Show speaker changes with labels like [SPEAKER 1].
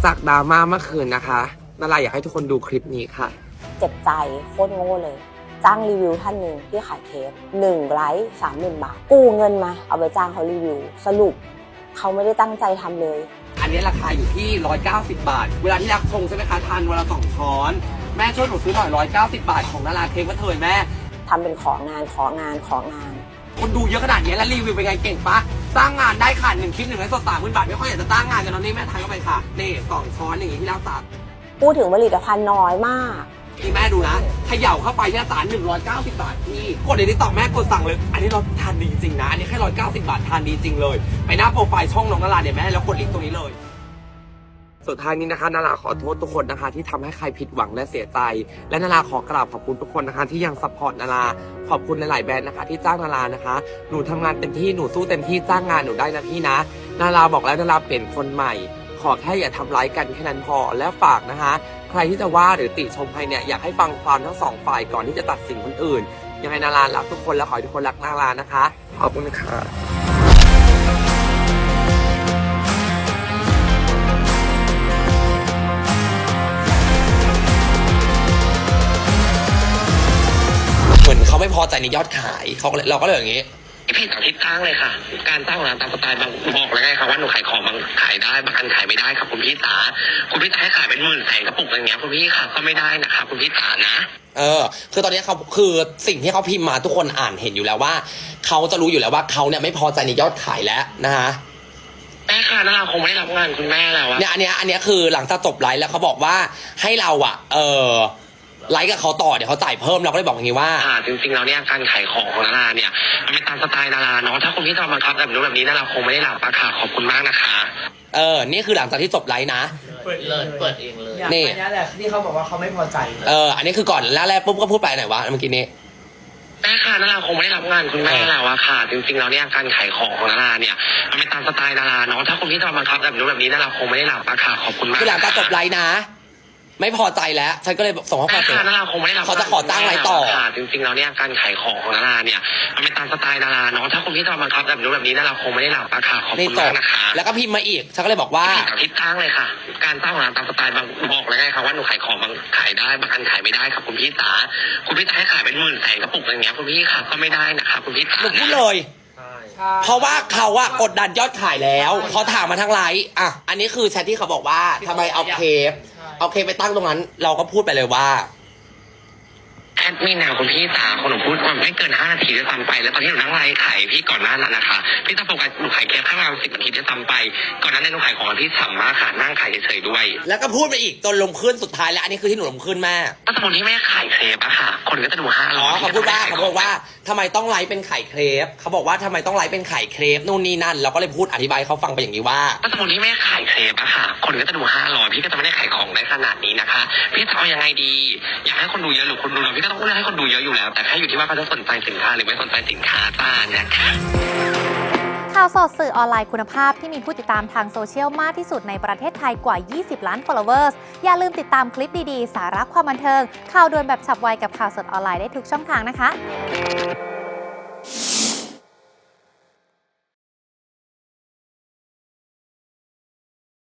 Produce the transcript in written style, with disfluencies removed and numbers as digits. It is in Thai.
[SPEAKER 1] จากดราม่าเมื่อคืนนะคะนาราอยากให้ทุกคนดูคลิปนี้ค่ะ
[SPEAKER 2] เจ็บใจโคตรโง่เลยจ้างรีวิวท่านหนึ่งที่ขายเคป1 ไลค์ 30,000 บาทกู้เงินมาเอาไปจ้างเขารีวิวสรุปเขาไม่ได้ตั้งใจทำเลย
[SPEAKER 1] อันนี้ราคาอยู่ที่190 บาทเวลาที่รักชงใช่ไหมคะทานวันละ2 ช้อนแม่ช่วยหนูซื้อหน่อย190 บาทของนาราเค้กว่าเธอแม่
[SPEAKER 2] ทำเป็นของาน
[SPEAKER 1] คนดูเยอะขนาดนี้แล้วรีวิวเป็นไงเก่งปะสร้างงานได้ค่ะ1 คลิป1 ไลค์สด30,000 บาทไม่ค่อยอยากจะตั้งงานกันตอนนี้แม่ทานเข้าไปค่ะนี่2 ช้อนอย่างนี้ที่รักษา
[SPEAKER 2] พูดถึงผลิตภัณฑ์น้อยมาก
[SPEAKER 1] ที่แม่ดูนะเขย่าเข้าไปที่สาร190 บาทพี่กดในนี้ต่อแม่กดสั่งเลยอันนี้เราทานดีจริงนะอันนี้แค่190 บาททานดีจริงเลยไปหน้าโปรไฟล์ช่องน้องนาราเนี่ยแม่แล้วกดลิงก์ตรงนี้เลยสุดท้ายนี้นะคะนาราขอโทษทุกคนนะคะที่ทำให้ใครผิดหวังและเสียใจและนาราขอกราบขอบคุณทุกคนนะคะที่ยังซัพพอร์ตนาราขอบคุณหลายๆแบรนด์นะคะที่จ้างนารานะคะหนูทำงานเต็มที่หนูสู้เต็มที่จ้างงานหนูได้นะพี่นะนาราบอกแล้วนาราเปลี่ยนคนใหม่ขอแค่อย่าทำร้ายกันแค่นั้นพอและฝากนะคะใครที่จะว่าหรือติชมใครเนี่ยอยากให้ฟังความทั้ง2 ฝ่ายก่อนที่จะตัดสินคนอื่นยังไงนารารักทุกคนและขอให้ทุกคนรักนารานะคะขอบคุณค่ะเหมือนเขาไม่พอใจในยอดขายเราก็เลยอย่างนี้
[SPEAKER 3] พี่ต่อทิศทางเลยค่ะการตั้งร้านตามสไตล์บางบอกเลยไงค่ะว่าหนูขายของบางขายได้บางอันขายไม่ได้ค่ะคุณพี่จ๋าคุณพี่จะให้ขายเป็น10,000แสนกระปุกอย่างเงี้ยคุณพี่ค่ะก็ไม่ได้นะคะคุณพี่จ๋านะ
[SPEAKER 1] คือตอนนี้เขาคือสิ่งที่เขาพิมพ์มาทุกคนอ่านเห็นอยู่แล้วว่าเขาจะรู้อยู่แล้วว่าเขาเนี่ยไม่พอใจในยอดขายแล้วนะคะ
[SPEAKER 3] แม่ค่ะนาราคงไม่ได้รับงานคุณแม่แล้ว
[SPEAKER 1] เนี่ยอันเนี้ยคือหลังจากจบไลฟ์แล้วเขาบอกว่าให้เราไลฟ์กับเขาต่อเดี๋ยวเขาจ่ายเพิ่มเราก็เลยบอกอย่างนี้ว่า
[SPEAKER 3] จริงๆแล้วเนี่ยการขายของของนาราเนี่ยมันเป็นตามสไตล์นาราเนาะถ้าคุณพี่จะมาบังคับแบบนี้นาราคงไม่ได้รับราคาขอบคุณมากนะคะ
[SPEAKER 1] นี่คือหลังจากที่จบไลฟ์นะ
[SPEAKER 3] เปิดเองเลย
[SPEAKER 1] นี่
[SPEAKER 4] แหละที่เขาบอกว่าเขาไม่พอใจ
[SPEAKER 1] อันนี้คือก่อนแรกปุ๊บก็พูดไปไหนวะเมื่อกี้นี้
[SPEAKER 3] แม่ค่ะนาราคงไม่ได้รับงานคุณแม่แล้วอะค่ะจริงๆแล้วเนี่ยการขายของของนาราเนี่ยมันเป็นตามสไตล์นาราเนาะถ้าคุณพี่จะมาบังคับแบบนี้นาราคงไม่ได้รับราคาขอบคุณมาก
[SPEAKER 1] คือหลังจากจบไลฟ์นะไม่พอใจแล้วฉันก็เลยส่งข้อความไปเขาจะขอจ้างไลฟ์ต่อ
[SPEAKER 3] จริงๆแล้วเนี่ยการขายของของนาราเนี่ยมันเป็นตามสไตล์นาราเนาะถ้าคุณพี่จะมาบังคับแบบนี้นาราคงไม่ได้รับราคาขอบคุณมากนะคะ
[SPEAKER 1] แล้วก็พิมพ์มาอีกฉันก็เลยบอกว่า
[SPEAKER 3] ทิศทางเลยค่ะการตั้งร้านตามสไตล์บางบอกเลยไงค่ะว่าหนูขายของบางขายได้บางอันขายไม่ได้ค่ะคุณพี่จ๋าคุณพี่จะให้ขายเป็น10,000แสนกระปุกอย่างเงี้ยคุณพี่ค่ะก็ไม่ได้นะคะคุณพี่จ๋า
[SPEAKER 1] หนูพูดเลยเพราะว่าเขากดดันยอดขายแล้วเขาถามมาทั้งไลฟ์อันนี้คือแชทที่เขาบอกว่าทำไมเอาเคปไปตั้งตรงนั้นเราก็พูดไปเลยว่า
[SPEAKER 3] แอดมินนะคุณพี่จ๋าคนหนูพูดมาไม่เกิน5 นาทีด้วยซ้ำไปแล้วตอนที่หนูนั่งไลฟ์ขายพี่ก่อนหน้านั้นนะคะพี่ต้องโฟกัสหนูขายแค่ข้างล่าง10 นาทีด้วยซ้ำไปก่อนนั้นหนูขายของพี่ฉ่ำมากค่ะนั่งขายเฉยๆด้วย
[SPEAKER 1] แล้วก็พูดไปอีกจนลงขึ้นสุดท้ายแล้วอันนี้คือที่หนูลงขึ้นแม่
[SPEAKER 3] ก็สมมติที่แม่ขายเครปอะค่ะคนก็จะดู500
[SPEAKER 1] เขาพูดว่าทำไมต้องไลฟ์เป็นไข่เครปเขาบอกว่าทำไมต้องไลฟ์เป็นไข่เครปนู่นนี่นั่นเราก็เลยพูดอธิบายเขาฟังไปอย่างนี้ว่า
[SPEAKER 3] ก็สมมติที่แม่ขายเครปอะค่ะคนก็จะดู500พี่ก็จะไม่ได้ขายของได้ขนาดนี้นะคะพี่จะเอายังไงดีอยากให้คนดูเยอะหรือคนดูน้อยพี่ก็ต้องเลือกให้คนดูเยอะอยู่แล้วแต่แค่อยู่ที่ว่าเขาจะสนใจสินค้าหรือไม่สนใจสินค้าจ้านะคะ
[SPEAKER 5] ข่าวสดสื่อออนไลน์คุณภาพที่มีผู้ติดตามทางโซเชียลมากที่สุดในประเทศไทยกว่า20 ล้าน followers อย่าลืมติดตามคลิปดีๆสาระความบันเทิงข่าวด่วนแบบฉับไวกับข่าวสดออนไลน์ได้ทุกช่องทางนะคะ